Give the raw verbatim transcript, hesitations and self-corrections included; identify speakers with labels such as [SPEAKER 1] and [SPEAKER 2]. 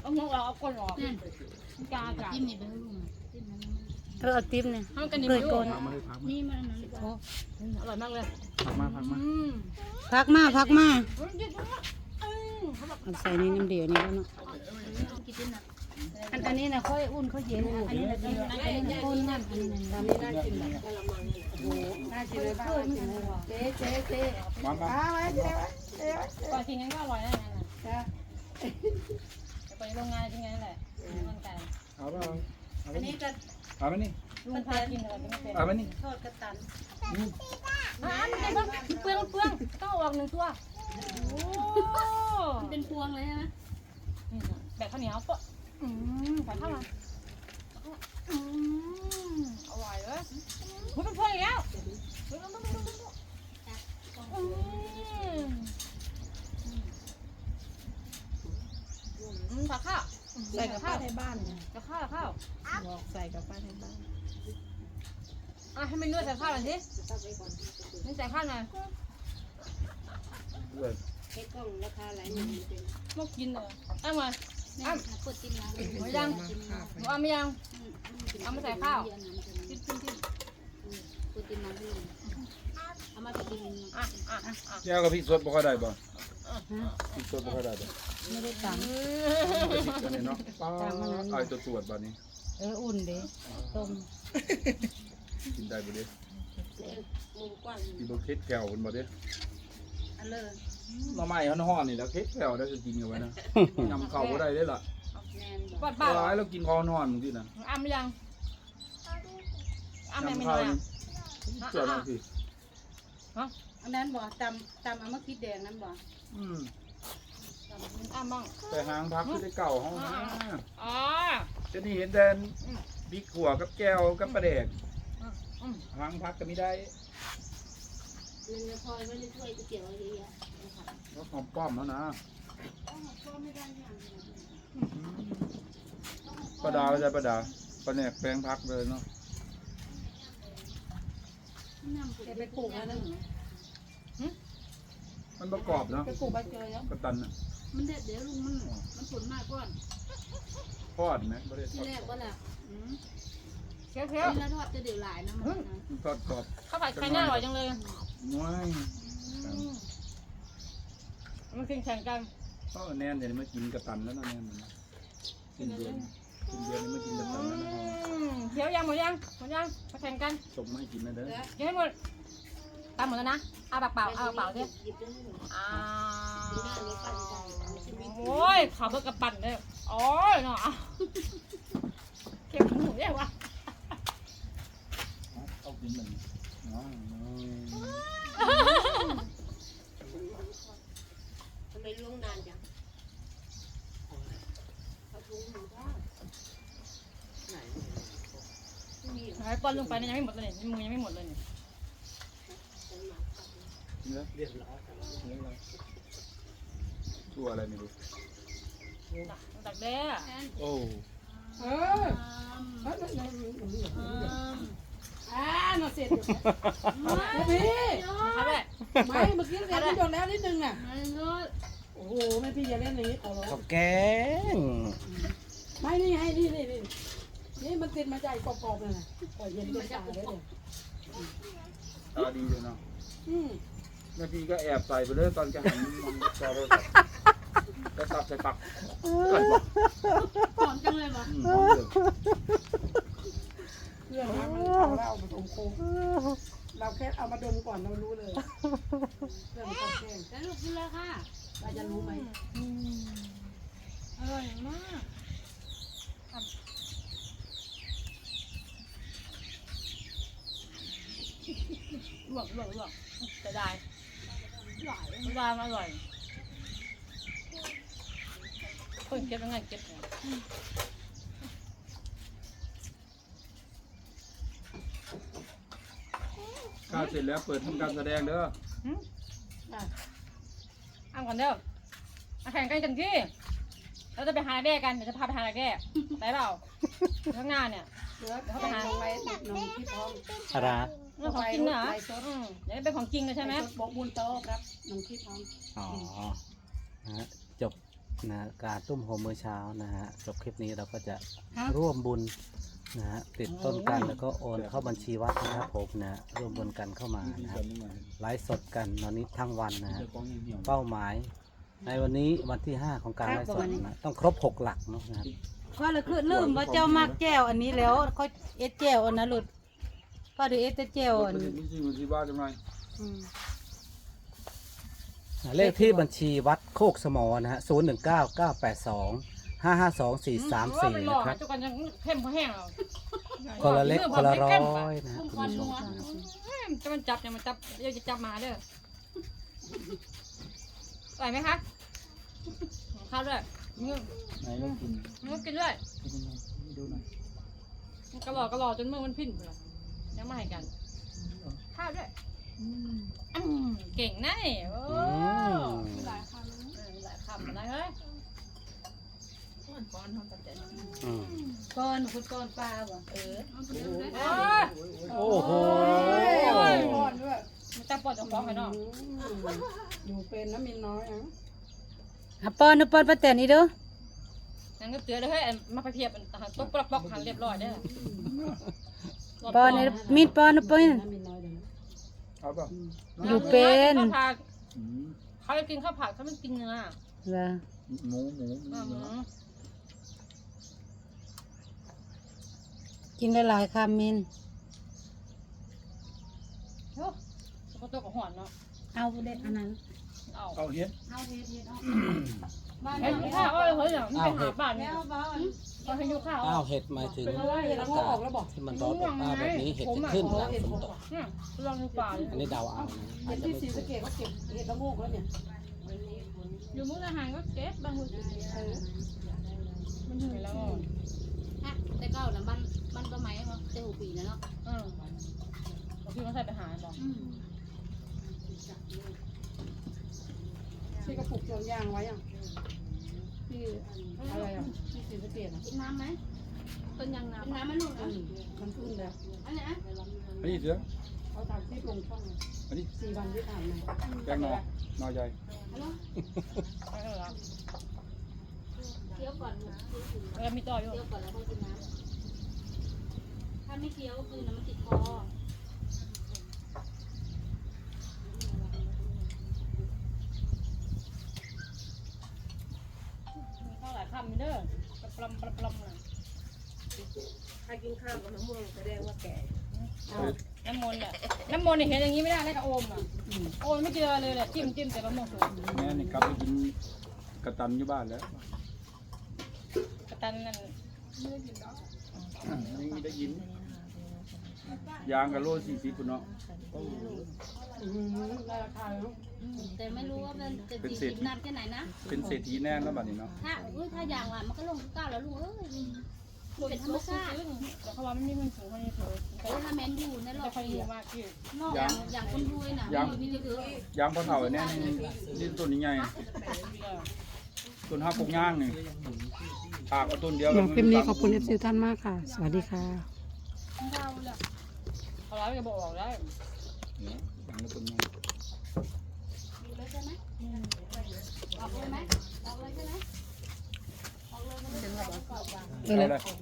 [SPEAKER 1] เอาเราเอาก้นออกกาจ้ะจิ้มนี่ไปให้ลุงเออเอาติ๊บเนี่ยให้กันนี่เลยก้นนี่มันโอ้อร่อยมากเลยพักมาพักมาพักมาพักมาใส่นี่น้ำเดียวนี่แล้วเนาะอันอันนี้นะค่อยอุ่นค่อยเย็นอันนี้นะอันนี้นะข้นนั่นอันนี้นะทำนี่น่ากินเลยโอ้โหน่ากินเลยบ้างเจ๊เจ๊เจ๊มามาไว้เจ๊ไว้เจ๊ไว้ก่อนกินงั้นก็อร่อยแน่นอนจ้ะไปโรงงานจริงไงแหละมันไก่เอาไปอันนี้จะเอาไปนี่ลุงพากินอะไรไม่เป็นเอาไปนี่ทอดกระตันอ่ามันเป็นเปลืองเปลืองต้องออกหนึ่งตัวโอ้เป็นพวงเลยใช่ไหมแบบข้าวเหนียวปะอืมใส่ข้าวมาอืมอร่อยเลยมันเป็นพวงอีกแล้วอืมอืมผักข้าวใส่กับป้าในบ้านกับข้าวข้าวบอกใส่กับป้าในบ้านอ่ะให้มันนวดใส่ข้าวหน่อยสินี่ใส่ข้าวหน่อยเฮ็ดกล้องราคาหลายหมื่นเป็นพวกกินเลยเอามาอ้ำกดกินน้ำไม่ยังหนูเอาไม่ยังเอามาใส่ข้าวจิ้มจิ้มจิ้มกดกินน้ำให้เอามากินอ่ะอ่ะอ่ะแก้วกับพี่สดบ่ค่อยได้บ่พี่สดบ่ค่อยได้บ่ไม่ได้ตังค์เนาะตังค์มันไอ้ตัวตรวจบัดนี้เอออุ่นเด้ต้มกินได้บ่เด้กินบ่เค็ดแก้วมันบ่เด้อันเลยหน่อไม้ฮ้อนๆนี่แล้วเค็ดแก้วได้จะกินกันไว้นะยำเข้าบ่ได้เด้ล่ะปอดบ้าร้ายแล้วกินคอฮ้อนมึงสินะอ้ำยังอ้ำยังไม่น้อยอ่ะเจ้าหน้าที่ฮะอันนั้นบ่ตำตำเอามาคิดแดงนั้นบ่อืมอ้ำบ้างแต่หางพักที่ได้เก่าห้องนะอ๋อจะนี่เห็นแต่บิ๊กขัวกับแก้วกับปลาแดกหางพักก็ไม่ได้เงินพอยไม่ได้ช่วยจะเกี่ยวอะไรเยอะก็หอมป้อมแล้วนะปลาดาไม่ใช่ปลาดาปลาแหนกแปลงพักเลยเนาะไปปลูกแล้วนึงมันประกอบเนาะไปปลูกใบเกยแล้วกระตันอ่ะมันเด็ดเดี๋ยวลุงมันมันผลมากก่อนทอดไหมไม่ได้ที่แรกว่าแหละเคี้ยวเคี้ยวแล้วทอดจะเดี๋ยวหลายนะมันทอดกรอบข้าวผัดไข่หน้าอร่อยจังเลยว้ายมันกินแข่งกันก็แน่นเดี๋ยวนี้มากินกระตันแล้วนะแน่นกินเดือนกินเดือนนี้มากินกระตันแล้วนะเคี้ยวยังหมดยังหมดยังมาแข่งกันสมไม่กินนะเด้อกินให้หมดตามหมดแล้วนะเอาปากเปล่าเอาปากเปล่าสิอ้าวโอ้ยขาเบิกกระปั่นเลยโอ้ยเนาะเก็บหมูได้วะเอากินมันทำไมล่วงนานจังเอาถุงหมูได้ไหนไหนป้อนลงไปเนี่ยยังไม่หมดเลยเนี่ยมือยังไม่หมดเลยเนี่ยเรียบร้อยตัวอะไรไม่รู้ตักแด้โอ้เอออ่าน่าเสร็จอยู่พี่ไม่เมื่อกี้เสร็จไม่โดนแล้วนิดนึงน่ะโอ้โหแม่พี่อย่าเล่นอย่างนี้ขอร้องขอบแกงไม่นี่ให้นี่นี่นี่นี่มันติดมาจากกรอบๆเลยนะปล่อยเย็นเป็นตาเลยเลยตาดีเลยเนาะแม่พี่ก็แอบใส่ไปเลยตอนแกหันมันจอเลยก็ตับใส่ปักหอมจังเลยมั้ยเรื่องนั้นมันเอาเราผสมโค้งเราแค่เอามาดมก่อนเรารู้เลยเรื่องความแข็งแล้วลูกกินเลยค่ะเราจะรู้ไหมอร่อยมากลวกลวกลวกจะได้อร่อยอร่อยอร่อยเพิ่งเก็บยังไงเก็บเนี่ยข้าวเสร็จแล้วเปิดทำการแสดงเด้ออ้ามก่อนเด้อมาแข่งกันกันที่เราจะไปหาแด้กันเดี๋ยวจะพาไปหาแด้ได้เปล่าข้างหน้าเนี่ยเดี๋ยวเขาไปหาไปติดนมที่ท้องอะไรเรื่องของจริงเหรอเดี๋ยวเป็นของจริงเลยใช่ไหมบอกบุญโตครับนมที่ท้องอ๋อจบ
[SPEAKER 2] นะการตุ้มโฮมมื้อเช้านะฮะจบคลิปนี้เราก็จะร่วมบุญนะฮะติดต้นกันแล้วก็โอนเข้าบัญชีวัดนะครับผมนะร่วมบุญกันเข้ามานะครับไลฟ์สดกันตอนนี้ทั้งวันนะฮะเป้าหมาย ในวันนี้วันที่ห้าของการไลฟ์สดนะต้องครบหกหลักเนาะนะครับ
[SPEAKER 3] ก็เลยคือลืมว่าเจ้ามากแก้วอันนี้แล้วเขาเอสแก้วอันนั้นหลุดก็ดูเอสแก้วอัน
[SPEAKER 4] ไม่ใช่อยู่ที่บ้านจังไง
[SPEAKER 3] อืม
[SPEAKER 2] เลขที่บัญชีวัดโคกสมอนะฮะศูนย์หนึ่งเก้าเก้าแปดสองห้าห้าสองสี่สามสี่นะครับ
[SPEAKER 1] จุกันยังเข้มพอแห้งแล้ว
[SPEAKER 2] คนละเล็กคนละร้อยนะฮะ
[SPEAKER 1] พุ่ม
[SPEAKER 2] คุ
[SPEAKER 1] ควัน
[SPEAKER 2] ณผู้ช
[SPEAKER 1] นั
[SPEAKER 2] ม
[SPEAKER 1] ว
[SPEAKER 2] นะครับ
[SPEAKER 1] จะมันจับยังมันจับเดี๋ยวจะจับมาเด้อไหวไหมคะข้าวด้วยมึง
[SPEAKER 4] ไหนก็กิน
[SPEAKER 1] มึงกินด้วย
[SPEAKER 4] ดูหน่อย
[SPEAKER 1] กระหล่อกระหล่อจนมือมันพิ้นไปแล้วยังไม่ให้กันข้าวด้วยอืมเก่งนะนี่โอ้
[SPEAKER 2] อืม
[SPEAKER 1] มีหลายคำเออมีหลายคำอะไรเฮ้ยก้อนทำตัดใจ
[SPEAKER 2] อืม
[SPEAKER 3] ก้อนคุณก้อนปลาบ่เออ
[SPEAKER 1] โอ้
[SPEAKER 2] โอ้โห
[SPEAKER 1] มันจะปวดจะฟ้องไปเนาะ
[SPEAKER 5] อยู่เป็นน้ำมินน้อยอ่ะ
[SPEAKER 3] อ่ะป้อนนะป้อนป้าแตนนี่เด้อ
[SPEAKER 1] นั่นก็เตือนเลยเฮ้ยมาไปเพียบตกปลอกปลอกหันเรียบร้อยได้
[SPEAKER 3] ป้อนนี่มีดป้อนนะป้อน
[SPEAKER 5] น้ำมินน้อยเดี๋ยวนะ
[SPEAKER 4] เอาป่ะ
[SPEAKER 3] อยู่เป็น
[SPEAKER 1] ข้าวผัด
[SPEAKER 4] อืม
[SPEAKER 1] เขาจะกินข้าวผัดเขาไม่กินเนื้อ
[SPEAKER 3] เหรอ
[SPEAKER 4] หมูหมู
[SPEAKER 1] อืม
[SPEAKER 3] กินได้หลายคำมิน
[SPEAKER 1] โอ้สกปรกกับหอนเนาะ
[SPEAKER 3] เอาเด็ดอันนั้น
[SPEAKER 1] เอา
[SPEAKER 4] เอาเฮ็ด
[SPEAKER 3] เอาเฮ็ดเฮ็ดเอา
[SPEAKER 1] บ้านนี้ข้าวเอ้ยเฮ้ยเนี่ยมันไปหาบ้านเนี่ยเขาให้ยุข้าว
[SPEAKER 2] อ้าวเห็ดหมายถึง
[SPEAKER 5] เห็ด
[SPEAKER 2] อา
[SPEAKER 5] ละโงก
[SPEAKER 2] กา
[SPEAKER 5] ออ
[SPEAKER 2] ศ
[SPEAKER 5] กแล้วบอก
[SPEAKER 2] ที่มันร้อนอบอ้าวแบบนี้เห็ดจะขึ้นหลังฝนตก
[SPEAKER 1] เนี่ยลองดูป่าเลย
[SPEAKER 2] อันนี้เดาเอานะ
[SPEAKER 5] เห็ดที่ศรีสะเกษเขาเก็บเห็ดละโงกแล้วเนี่ย
[SPEAKER 1] อยู่มุกอาหารก็เก็บบางคน
[SPEAKER 5] เออ
[SPEAKER 1] มันถึงแล้ว
[SPEAKER 6] ฮะแต่เก้าน่ะมันมันก็ไหมว่าแต่หูปีนะเนาะ
[SPEAKER 1] อืมบางทีมันใส่ไปหาบอก
[SPEAKER 6] อืม
[SPEAKER 5] ที่กระปุกโจนยางไว้อ่ะที่อะไรอ่ะที่ศรีสะเกษอ่ะ
[SPEAKER 6] กินน้ำไหม
[SPEAKER 1] ต้นยางนา
[SPEAKER 6] กินน้ำมันลูก
[SPEAKER 5] อื
[SPEAKER 6] นะ
[SPEAKER 5] มมันขึ้นแล้ว
[SPEAKER 6] อันนี้นะ
[SPEAKER 4] อันนี้เสือ
[SPEAKER 5] เขาทำที่ลงช่อง
[SPEAKER 4] อันนี้
[SPEAKER 5] สี่วันที่ผ่านมา
[SPEAKER 4] แกงหนอหนอใหญ่
[SPEAKER 6] ฮัลโหล
[SPEAKER 1] ไม่เออแล้ว
[SPEAKER 6] เคี้ยวก่อนลูก
[SPEAKER 1] แล้วมีต่ออยู่
[SPEAKER 6] เคี้ยวก่อนแล้วค่อยกินน้ำถ้าไม่เคี้ยวก็คือน้ำมันติดคอ
[SPEAKER 1] มีข้าวหลายคำมีเด้อปลอมปลอมปลอมเลย
[SPEAKER 5] ใครกินข้าวกับมะม่วงแสดงว่าแก่
[SPEAKER 1] น้ำมนต์อ่ะน้ำมนต์เนี่ยเห็นอย่างนี้ไม่ได้แล้วก็โอมอ่ะโอมไม่เจอเลยแหละจิ้มจิ้มแต่มะม่วงสุก
[SPEAKER 4] แม่นี่กลับไปกินกระตันอยู่บ้านแล้ว
[SPEAKER 1] กระตันนั่น
[SPEAKER 4] นี่ได้ยินยางกับโลสี่สิบคุณเนาะ
[SPEAKER 5] อืมได้ราคาแล้ว
[SPEAKER 6] แต่ไม่รู้ว่ามันจะสี่สิบนานแค่ไหนนะ
[SPEAKER 4] เป็นเศรษฐีแน่แล้วบัดนี้เนาะ
[SPEAKER 6] ถ้าอุ้ยถ้าอย่างว่ามันก็ลงเก้าแล้วลูกเอ้ยมันเป็นธรรมชาติ
[SPEAKER 1] แต่เขาว่าไม่มีเงินสูงคนนี้ถือ
[SPEAKER 6] แต่ถ้าแมนอยู่ในรอ
[SPEAKER 1] ไม่
[SPEAKER 6] บ
[SPEAKER 1] ค่อย
[SPEAKER 6] ปี
[SPEAKER 1] ดี
[SPEAKER 6] อะ
[SPEAKER 1] มากพี่
[SPEAKER 6] นอกอย่างอย่างคนรวยน่ะไม่มีเยอะ
[SPEAKER 4] ยางพอเท่าเนี่ยนี่นี่ต้นนี้ใหญ่ต้นห้าปกย่างนี่ปากเอาต้นเดียว
[SPEAKER 5] สำหรับคลิปนี้ขอบคุณเอฟซีท่านมากค่ะ สวัสดีค่ะ
[SPEAKER 1] เขาร้ายจะบอกได้
[SPEAKER 4] นี่ยางละต้นใหญ่
[SPEAKER 6] ๆอยู่เลยใช่ไหมออกเลยไหมออกเลยใช่ไหมออกเลยมันจะออกก่อน
[SPEAKER 4] เอาเลย